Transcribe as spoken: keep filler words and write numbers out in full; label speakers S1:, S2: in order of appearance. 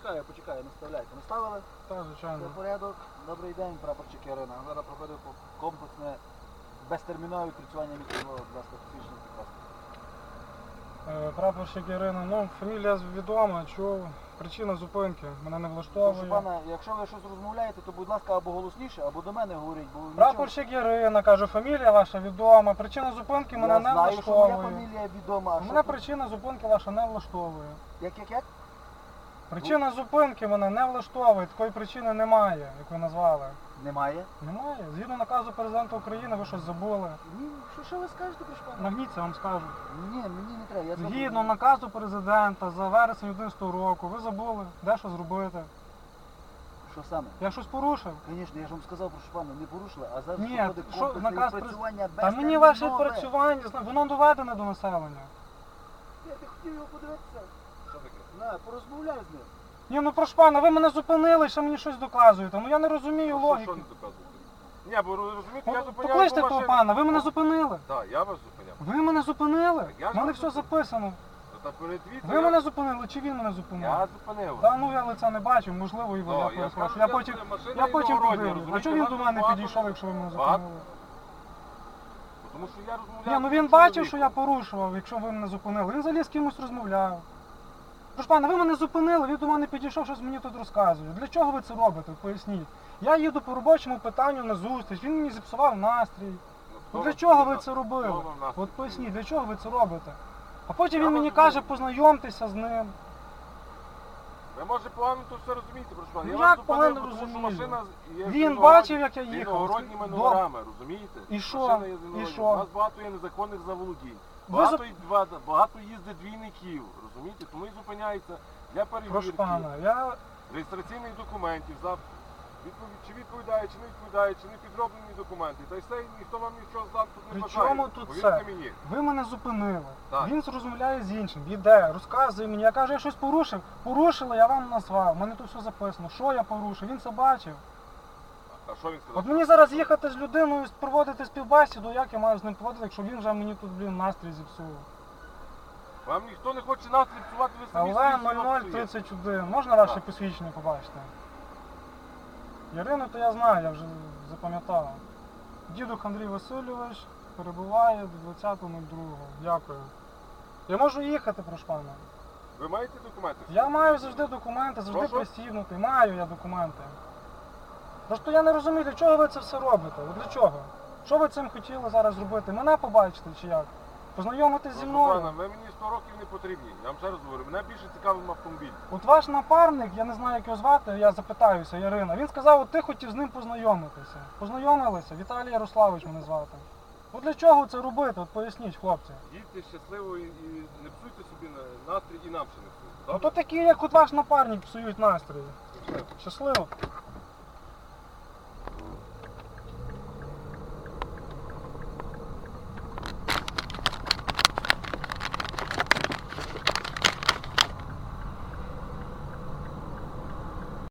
S1: почекаю, почекаю, наставляйте. Наставили?
S2: Так, звичайно.
S1: Це порядок. Добрий день, прапорщик Ярина. Зараз проходив комплексне безтермінове відпрацювання місцевого, будь ласка, посвідчення прекрасно.
S2: Е, Прапорщик Ірина, ну, фамілія відома, чув, причина зупинки, мене не
S1: Прошу
S2: влаштовує.
S1: пана, якщо ви щось розмовляєте, то будь ласка або голосніше, або до мене говоріть, бо нічого-
S2: Прапорщик Ірина, кажу, фамілія ваша відома, причина зупинки мене
S1: Я
S2: не
S1: знаю, що моя
S2: влаштовує.
S1: фамілія відома, а що
S2: Мене
S1: тут?
S2: причина зупинки ваша не влаштовує.
S1: Як, як, як?
S2: Причина зупинки мене не влаштовує, такої причини немає, як ви назвали.
S1: Немає?
S2: Немає. Згідно наказу президента України, ви щось забули.
S1: Ні, що, що ви скажете, прошу пана?
S2: Нагніться, вам скажу.
S1: Ні, мені не треба, я сам-
S2: Згідно наказу президента за вересень одинадцятого року, ви забули, де що зробити.
S1: Що саме?
S2: Я щось порушив?
S1: Звісно, я ж вам сказав, прошу пана, не порушили, а зараз
S2: Ні,
S1: проходить
S2: що,
S1: комплексне
S2: наказ
S1: відпрацювання
S2: Та мені ваше
S1: безтермінове.
S2: відпрацювання, зна- воно доведене до населення.
S1: Я не хотів його подивитися.
S3: Що таке?
S1: На, порозмовляй з ним.
S2: Ні, ну прошу пана, ви мене зупинили, ще мені щось доказуєте. Ну я не розумію
S3: Що,
S2: логіки.
S3: що не доказуєте? Ні, бо розумієте, я
S2: Ну,
S3: зупиняю
S2: Покличте
S3: по
S2: того
S3: машині.
S2: пана, ви мене зупинили.
S3: Так, я вас зупиняв.
S2: Ви мене зупинили?
S3: Так, я ж
S2: У мене
S3: вас
S2: все
S3: зупинив.
S2: записано.
S3: Ну, та передвіться,
S2: Ви
S3: я-
S2: мене зупинили чи він мене зупинив?
S3: Я зупинив.
S2: Та ну я лиця не бачив, можливо і ви,
S3: Ну,
S2: я
S3: я
S2: перепрошую.
S3: скажу,
S2: Я
S3: я
S2: потім,
S3: зупинив. Машина
S2: я потім
S3: іногородня,
S2: подивлюсь. А
S3: розумієте,
S2: чого він
S3: нас
S2: до мене
S3: багато-
S2: підійшов, якщо ви мене
S3: багато-
S2: зупинили?
S3: Тому що я розмовляв.
S2: Ні, ну
S3: з
S2: він
S3: цим
S2: бачив, що я
S3: чоловіком.
S2: порушував, якщо ви мене зупинили. Він взагалі з кимось розмовляв. Тож, пане, ви мене зупинили, він до мене підійшов, щось мені тут розказує. Для чого ви це робите? Поясніть. Я їду по робочому питанню на зустріч, він мені зіпсував настрій.
S3: Ну,
S2: Ну
S3: хто
S2: для
S3: вам
S2: чого ви
S3: сказав?
S2: це
S3: Хто
S2: робили?
S3: вам настрій
S2: От поясніть,
S3: зробив?
S2: для чого ви це робите? А потім
S3: Я
S2: він мені
S3: вас
S2: каже,
S3: розумію.
S2: познайомтеся з ним.
S3: Ви може погано то все розумієте, прошу пана.
S2: Ну,
S3: Я
S2: як
S3: вас зупинив,
S2: погано
S3: тому що
S2: розумію?
S3: машина є
S2: Він
S3: з іногородні-
S2: бачив, як я
S3: з
S2: їхав.
S3: іногородніми
S2: До-
S3: номерами, розумієте?
S2: І що?
S3: Машина є з
S2: І
S3: іногородніми.
S2: що?
S3: У нас багато є незаконних заволодінь.
S2: Ви
S3: Багато, й- ба- багато їздить двійників, розумієте? Тому і зупиняється для
S2: Прошу
S3: перевірки,
S2: пана, я
S3: реєстраційних документів, за відповідь, чи відповідає, чи не відповідає, чи не підроблені документи. Та й все, ніхто вам нічого здати тут не
S2: При
S3: бажає.
S2: чому тут
S3: Повірте
S2: це?
S3: мені.
S2: Ви мене зупинили.
S3: Так.
S2: Він розмовляє з іншим, йде, розказує мені. Я кажу, я щось порушив. Порушили, я вам назвав. У мене тут все записано. Що я порушив? Він це бачив.
S3: А що він сказав?
S2: От мені зараз їхати з людиною, проводити співбесіду, як я маю з ним проводити, якщо він вже мені тут, блін, настрій зіпсує.
S3: Вам ніхто не хоче настрій псувати, ви самі
S2: Але
S3: собі
S2: нуль нуль
S3: псуєте.
S2: тридцять один. Можна ваше
S3: Так.
S2: посвідчення побачити? Ярину то я знаю, я вже запам'ятав. Дідух Андрій Васильович перебуває до двадцятого другого. Дякую. Я можу їхати, прошу пана.
S3: Ви маєте документи?
S2: Я маю завжди документи, завжди
S3: Прошу?
S2: пристібнутий. Маю я документи. Просто я не розумію, для чого ви це все робите? От для чого? Що ви цим хотіли зараз зробити? Мене побачити чи як? Познайомитись зі
S3: Прошу
S2: мною?
S3: пана, ви мені сто років не потрібні. Я вам ще раз говорю, мене більше цікавив автомобіль.
S2: От ваш напарник, я не знаю, як його звати, я запитаюся, Ярина. Він сказав, от ти хотів з ним познайомитися. Познайомилися, Віталій Ярославович мене звати. От для чого це робити? От поясніть, хлопці.
S3: Їдьте щасливо і, і не псуйте собі на- настрій і нам ще не псуйте.
S2: Ну
S3: Добре?
S2: то такі, як от ваш напарник, псують настрій.
S3: Щасливо.
S2: Щасливо.